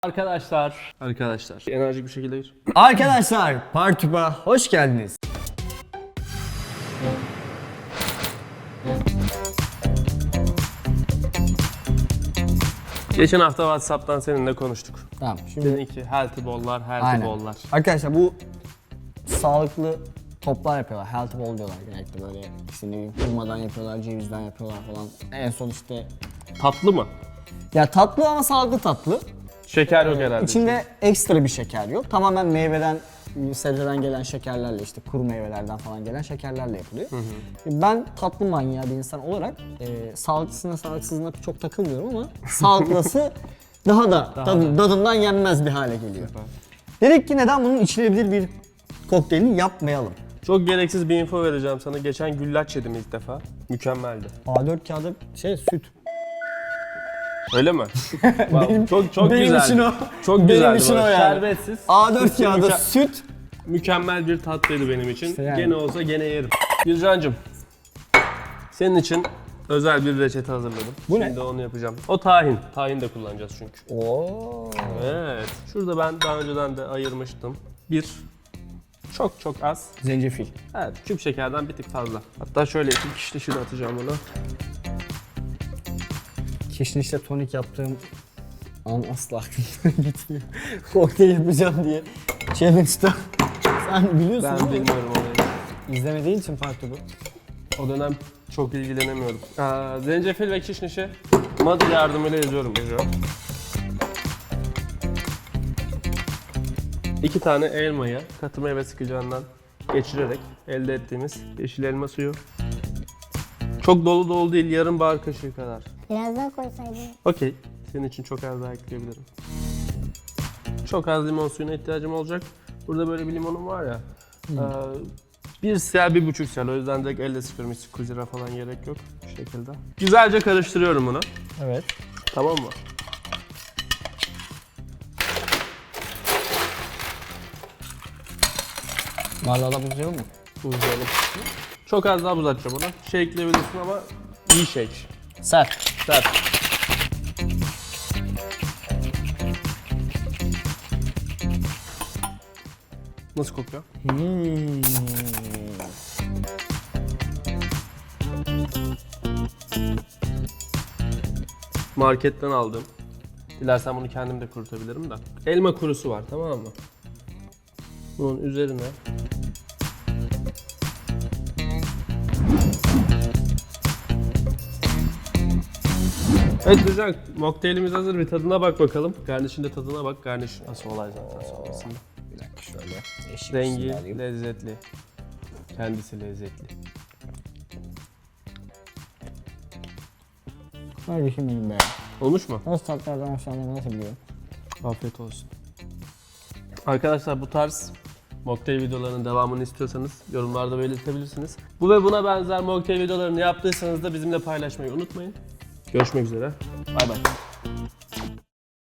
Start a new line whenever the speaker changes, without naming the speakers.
Arkadaşlar enerjik bir şekilde gir.
Arkadaşlar Partuba hoş geldiniz.
Geçen hafta WhatsApp'tan seninle konuştuk.
Tamam şimdi
Dedin ki healthy ball'lar, healthy
aynen.
ball'lar.
Arkadaşlar bu sağlıklı toplar yapıyorlar. Healthy ball diyorlar genellikle böyle işte ne bileyim hurmadan yapıyorlar, cevizden yapıyorlar falan. En son işte
Tatlı mı?
ya tatlı ama sağlıklı tatlı.
Şeker yok herhalde.
İçinde ekstra bir şeker yok. Tamamen meyveden, sebzeden gelen şekerlerle işte kuru meyvelerden falan gelen şekerlerle yapılıyor. Ben tatlı manyağı bir insan olarak sağlıklısına sağlıksızına çok takılmıyorum ama sağlıklısı daha da tadından yenmez bir hale geliyor. Dedik ki neden bunun içilebilir bir kokteylini yapmayalım?
Çok gereksiz bir info vereceğim sana. Geçen güllaç yedim ilk defa. Mükemmeldi.
A4 kağıdı süt.
Öyle mi? Wow, çok
benim
güzeldi.
için o.
Çok
Benim
güzeldi.
için
böyle
o yani.
Şerbetsiz.
A4 kağıdı süt.
Mükemmel bir tatlıydı benim için.
İşte yani.
Gene olsa gene yerim. Bircan'cığım, senin için özel bir reçete hazırladım.
Bu ne?
Şimdi onu yapacağım. O tahin. Tahin de kullanacağız çünkü.
Oo.
Evet. Şurada ben daha önceden de ayırmıştım. Çok az.
Zencefil.
Evet, küp şekerden bir tık fazla. Hatta şöyle bir kişnişini atacağım ona.
Kişnişle tonik yaptığım an asla aklımdan gitmiyor. Kokteyl yapacağım diye challenge'da. Sen biliyorsun
Ben
değil mi?
bilmiyorum olayı.
İzlemediğin için farklı bu.
O dönem çok ilgilenemiyorum. Zencefil ve kişnişi mad yardımıyla yazıyorum. 2 tane elmayı katı meyve sıkacağından geçirerek elde ettiğimiz yeşil elma suyu. Çok dolu dolu değil, yarım bahar kaşığı kadar.
Biraz daha koysaydın.
Okey, senin için çok az daha ekleyebilirim. Çok az limon suyuna ihtiyacım olacak. Burada böyle bir limonum var ya. 1 cl, 1,5 cl. O yüzden direkt elle sıkıyorum. Hiç kuzira falan gerek yok. Bu şekilde. Güzelce karıştırıyorum bunu.
Evet.
Tamam mı?
Bardağı da buzlayalım mı?
Buzlayalım. Çok az daha buz atacağım ona. Shake'leyebilirsin ama iyi shake.
Sert.
Sert. Nasıl kokuyor? Marketten aldım. Dilersen bunu kendim de kurutabilirim de. Elma kurusu var, tamam mı? Bunun üzerine evet güzel. Mokteylimiz hazır. Bir tadına bak bakalım. Garnişin de tadına bak. Garniş nasıl olay zaten sonrasında.
Bir dakika şöyle. Eşit
Rengi
alayım.
lezzetli. Kendisi lezzetli.
Kardeşim benim be.
Olmuş mu?
Nasıl tatlardan hoşlandığımı nasıl biliyorum?
Afiyet olsun. Arkadaşlar bu tarz mocktail videolarının devamını istiyorsanız yorumlarda belirtebilirsiniz. Bu ve buna benzer mocktail videolarını yaptıysanız da bizimle paylaşmayı unutmayın. Görüşmek üzere. Bay bay.